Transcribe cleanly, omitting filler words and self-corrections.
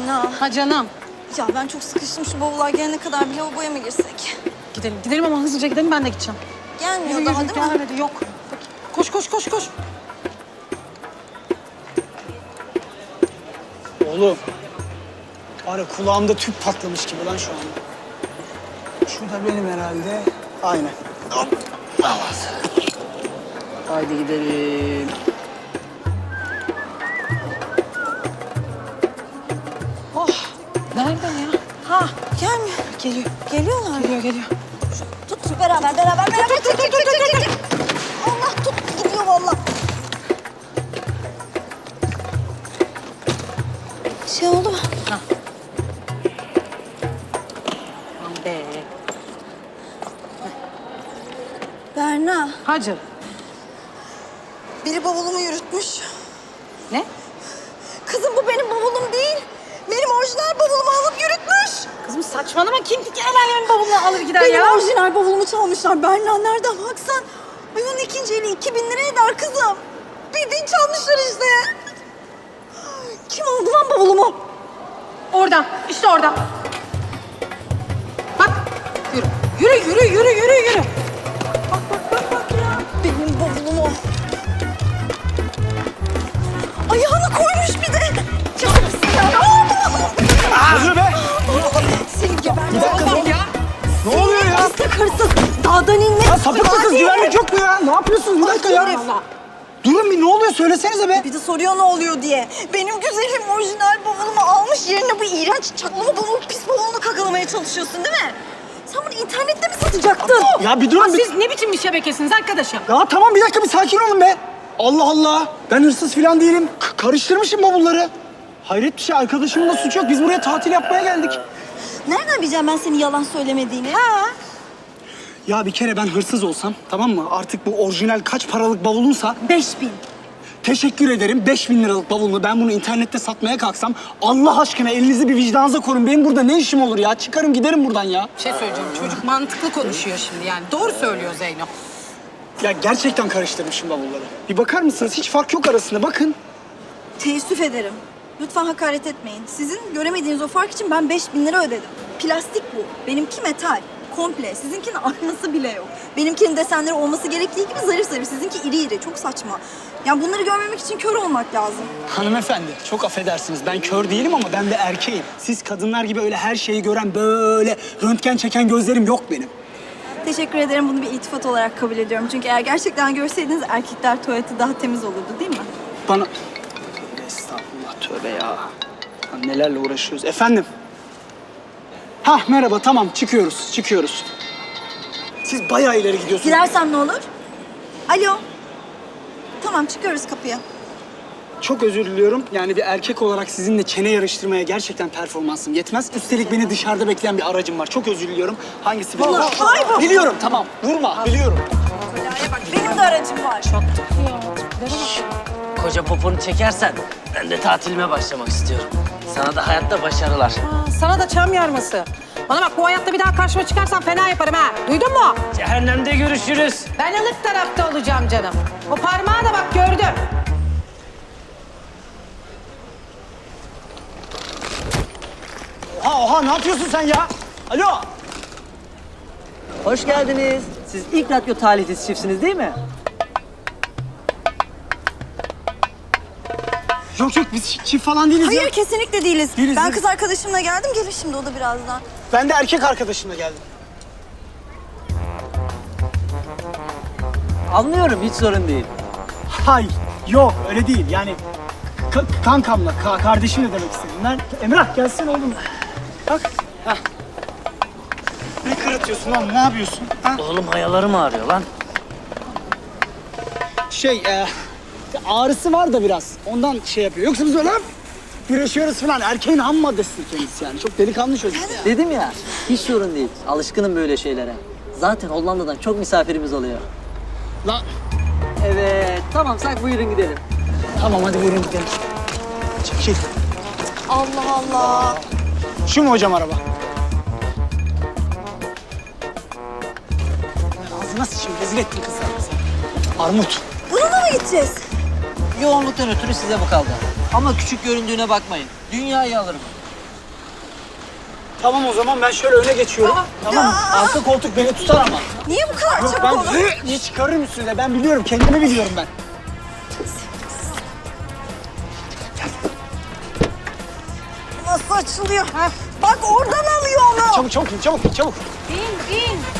Berna. Ha canım. Ya ben çok sıkıştım. Şu bavullar gelene kadar bir lavaboya mı girsek? Gidelim. Gidelim ama hızlıca gidelim, ben de gideceğim. Gelmiyor Yürü, daha yürü, değil mi? gelmedi, yok. Koş, koş, koş, koş. Oğlum. Var ya kulağımda tüp patlamış gibi lan şu anda. Şu da benim herhalde. Aynen. Hop. Tamam. Haydi gidelim. Oh, nereden ya? Ha gelmiyor. Geliyor, Geliyorlar. geliyor. Tut beraber. Çık. Allah tut gidiyor valla. Şey oldu mu? Aman be. Berna. Hacı. Biri bavulumu yürütmüş. Ne? Kızım bu benim bavulum değil. Benim orijinal bavulumu alıp yürütmüş. Kızım saçmalama, kim el alemin bavulunu alır gider Benim ya? orijinal bavulumu çalmışlar. Berna nereden baksan. Ay onun ikinci eli 2000 lira eder kızım. Bildiğin çalmışlar işte. Kim aldı lan bavulumu? Oradan, işte oradan. Bak, yürü. Yürü. Bak ya. Benim bavulumu. Ayağını koymuş bir de. Çalmışsın ya. Ne oluyor be? Seni geberdim. Bir dakika dur. Ya. Ne oluyor ya? Hırsız hırsız. Dağdan inmek. Ya sapık mısınız? Hadi. Güvenlik yok mu ya? Ne yapıyorsunuz? Bir dakika ya. herif. Durun bir, ne oluyor? Söylesenize be. Bir de soruyor ne oluyor diye. Benim güzelim orijinal bavulumu almış yerine bu iğrenç çaklama bavulu, pis bavulunu kakalamaya çalışıyorsun değil mi? Sen bunu internette mi satacaktın? Ya bir durun bir. Siz ne biçim bir şebekesiniz arkadaşım? Ya tamam bir dakika, bir sakin olun be. Allah Allah. Ben hırsız falan değilim. Karıştırmışım bavulları. Hayret bir şey, arkadaşımın da suçu yok. Biz buraya tatil yapmaya geldik. Nereden bileceğim ben senin yalan söylemediğini? Ha? Ya bir kere ben hırsız olsam, tamam mı? Artık bu orijinal kaç paralık bavulunsa 5000. teşekkür ederim. 5000 liralık bavulunu ben bunu internette satmaya kalksam, Allah aşkına elinizi bir vicdanınıza korun. Benim burada ne işim olur ya? Çıkarım giderim buradan ya. Bir şey söyleyeceğim, çocuk mantıklı konuşuyor şimdi yani. Doğru söylüyor Zeyno. Ya gerçekten karıştırmışım bavulları. Bir bakar mısınız? Hiç fark yok arasında. Bakın. Teessüf ederim. Lütfen hakaret etmeyin. Sizin göremediğiniz o fark için ben 5000 lira ödedim. Plastik bu. Benimki metal. Komple. Sizinkinin aynası bile yok. Benimkinin desenleri olması gerektiği gibi zarif zarif. Sizinki iri iri. Çok saçma. Yani bunları görmemek için kör olmak lazım. Hanımefendi, çok affedersiniz. Ben kör değilim ama ben de erkeğim. Siz kadınlar gibi öyle her şeyi gören, böyle röntgen çeken gözlerim yok benim. Teşekkür ederim. Bunu bir iltifat olarak kabul ediyorum. Çünkü eğer gerçekten görseydiniz erkekler tuvaleti daha temiz olurdu değil mi? Bana... Tövbe estağfurullah, tövbe ya. Ya nelerle uğraşıyoruz. Efendim? Hah, merhaba, tamam. Çıkıyoruz. Siz bayağı ileri gidiyorsunuz. Gidersem ne olur? Alo. Tamam çıkıyoruz kapıya. Çok özür diliyorum. Yani bir erkek olarak sizinle çene yarıştırmaya gerçekten performansım yetmez. Üstelik beni dışarıda bekleyen bir aracım var. Çok özür diliyorum. Hangisi bilmiyorum. Ay bu. Biliyorum, tamam. Vurma, biliyorum. Benim de aracım var. Koca poponu çekersen ben de tatilime başlamak istiyorum. Sana da hayatta başarılar. Sana da çam yarması. Bana bak, bu hayatta bir daha karşıma çıkarsan fena yaparım ha. Duydun mu? Cehennemde görüşürüz. Ben ılık tarafta olacağım canım. O parmağı da bak gördüm. Oha, ne yapıyorsun sen ya? Alo. Hoş geldiniz. Siz ilk radyo talihsiz çiftsiniz değil mi? Yok biz çift falan değiliz ya. Hayır kesinlikle değiliz. Değiliz, Ben değiliz. kız arkadaşımla geldim. Gelir şimdi o da birazdan. Ben de erkek arkadaşımla geldim. Anlıyorum, hiç sorun değil. Hayır, yok öyle değil. Yani kankamla, kardeşimle demek istedim. Emrah gelsene oğlum. Bak. Hah. Ne kırıtıyorsun lan, ne yapıyorsun? Ha? Oğlum hayalarım ağrıyor lan. Ağrısı var da biraz. Ondan şey yapıyor. Yoksa biz öyle güreşiyoruz falan. Erkeğin ham maddesidir kendisi yani. Çok delikanlı çocuk. Dedim ya, hiç sorun değil. Alışkınım böyle şeylere. Zaten Hollanda'dan çok misafirimiz oluyor. Lan. Evet, tamamsak buyurun gidelim. Tamam hadi buyurun gidelim. Çekil. Allah Allah. Şu mu hocam araba? Ağzına sıçayım. Rezil ettin kızlar bizi. Armut. Bununla mı gideceğiz? Yoğunluktan ötürü size bu kaldı. Ama küçük göründüğüne bakmayın. Dünyayı alırım. Tamam o zaman ben şöyle öne geçiyorum. Tamam. Arka koltuk beni tutar ama. Niye bu kadar Yok çabuk ben oldu? diye çıkarırım üstüne. Ben biliyorum. Kendimi biliyorum ben. Nasıl açılıyor? Bak oradan alıyor onu. Çabuk çabuk in, çabuk in, çabuk. İn in.